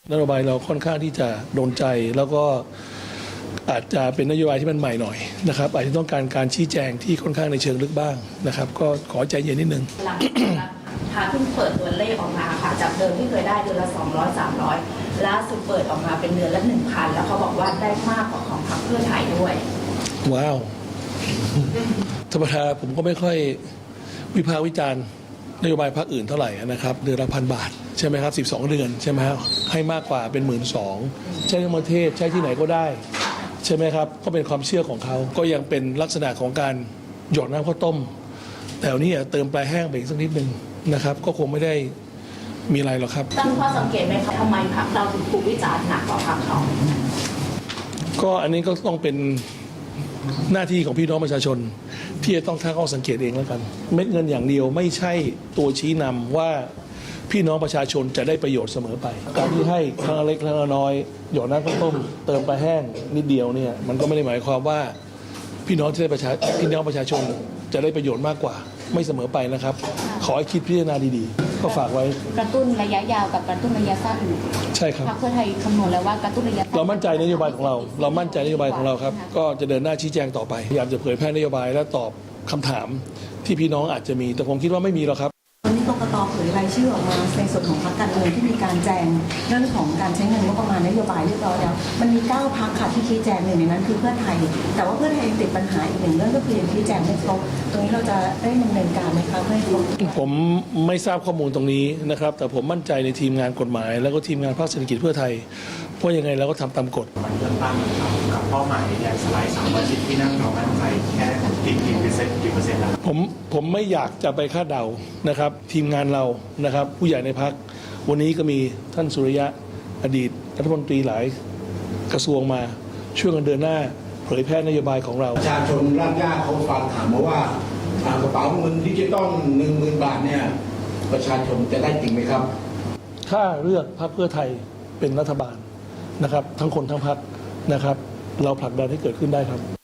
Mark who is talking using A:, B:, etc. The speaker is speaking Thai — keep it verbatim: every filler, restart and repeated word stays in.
A: นโยบายเราค่อนข้างที่จะโดนใจแล้วก็อาจจะเป็นนโยบายที่มันใหม่หน่อยนะครับอาจจะต้องการการชี้แจงที่ค่อนข้างในเชิงลึกบ้างนะครับก็ขอใจเย็นนิดนึง
B: หลังจากพาเพิ่งเปิดตัวเลขออกมาค่ะจากเดิมที่เคยได้เดือนละสองร้อย สามร้อยล่าสุดเปิดออกมาเป็นเดือนละ หนึ่งพัน แล้วเขาบอกว่าได้มากกว่าของพรรคเพื่อไทยด้วย
A: ว้าวธรรมดาผมก็ไม่ค่อยวิพากษ์วิจารณ์นโยบายพรรคอื่นเท่าไหร่นะครับเดือนละพันบาทใช่ไหมครับสิบสองเดือนใช่ไหมครับให้มากกว่าเป็นหมื่นสองใช้ในประเทศใช้ที่ไหนก็ได้ใช่ไหมครับก็เป็นความเชื่อของเขาก็ยังเป็นลักษณะของการหยอดน้ำข้าวต้มแต่วันนี้เติมปลายแห้งไปอีกสักนิดนึงนะครับก็คงไม่ได้มีอะไรหรอกครับ
B: ตั้งข้อสังเกตไหมคะทำไมพรรคเราถึงถูกวิจารณ์หนักกว่าพรรคเขา
A: ก็อันนี้ก็ต้องเป็นหน้าที่ของพี่น้องประชาชนที่จะต้องตั้งข้อสังเกตเองแล้วกันเม็ดเงินอย่างเดียวไม่ใช่ตัวชี้นำว่าพี่น้องประชาชนจะได้ประโยชน์เสมอไปการที่ให้ครั้งเล็กครั้งน้อยหยอดน้ำข้าวต้มเติมปลาแห้งนิดเดียวเนี่ยมันก็ไม่ได้หมายความว่าพี่น้องที่ได้ประชาพี่น้องประชาชนจะได้ประโยชน์มากกว่าไม่เสมอไปนะครับขอให้คิดพิจารณาดีๆก็ฝากไว้
C: กระตุ้นระยะยาวกับกระตุ้นระยะสั้น
A: ใช่ครับ
C: พรรคเพื่อไทยคำนวณแล้วว่ากระตุ้นระยะสั้น
A: เรามั่นใจนโยบายของเราเรามั่นใจนโยบายของเราครับก็จะเดินหน้าชี้แจงต่อไปพยายามจะเผยแพร่นโยบายและตอบคำถามที่พี่น้องอาจจะมีแต่ผมคิดว่าไม่มีหรอกครับ
D: วันนี้กกต.เผยรายชื่อออกมาในส่วนของพรรคการเมืองที่มีการแจงเรื่องของการใช้เงินงบประมาณนโยบายเรียบร้อยแล้วมันมีเก้าพรรคค่ะที่ชี้แจงหนึ่งในนั้นคือเพื่อไทยแต่ว่าเพื่อไทยติดปัญหาอีกหนึ่งเรื่องก็คือยังชี้แจงไม่ครบตรงนี้เราจะได้ดำเนินการไหมคะเพื่อให้ครบ
A: ผมไม่ทราบข้อมูลตรงนี้นะครับแต่ผมมั่นใจในทีมงานกฎหมายแล้วก็ทีมงานภาคเศรษฐกิจเพื่อไทยเพราะยังไงเราก็ทำตามกฎ
E: มันเลือกตั้งกับเป้าหมายใหญ่สลายสามวันสิบที่นั่งเรามั่นใจแค่กี่กี่เปอร์เซ็นต์กี่เปอร์เซ็นต์แล้ว
A: ผมผมไม่อยากจะไปคาดเดานะครับทีมงานเรานะครับผู้ใหญ่ในพรรควันนี้ก็มีท่านสุริยะอดีตรัฐมนตรีหลายกระทรวงมาช่วยกันเดินหน้าเผยแพร่นโยบายของเรา
F: ประชาชนรากหญ้าเขาฟังถามมาว่ากระเป๋าเงินดิจิตอลหนึ่งหมื่นบาทเนี่ยประชาชนจะได้จริงไหมครับ
A: ถ้าเลือกพรรคเพื่อไทยเป็นรัฐบาลนะครับทั้งคนทั้งพรรคนะครับเราผลักดันให้เกิดขึ้นได้ครับ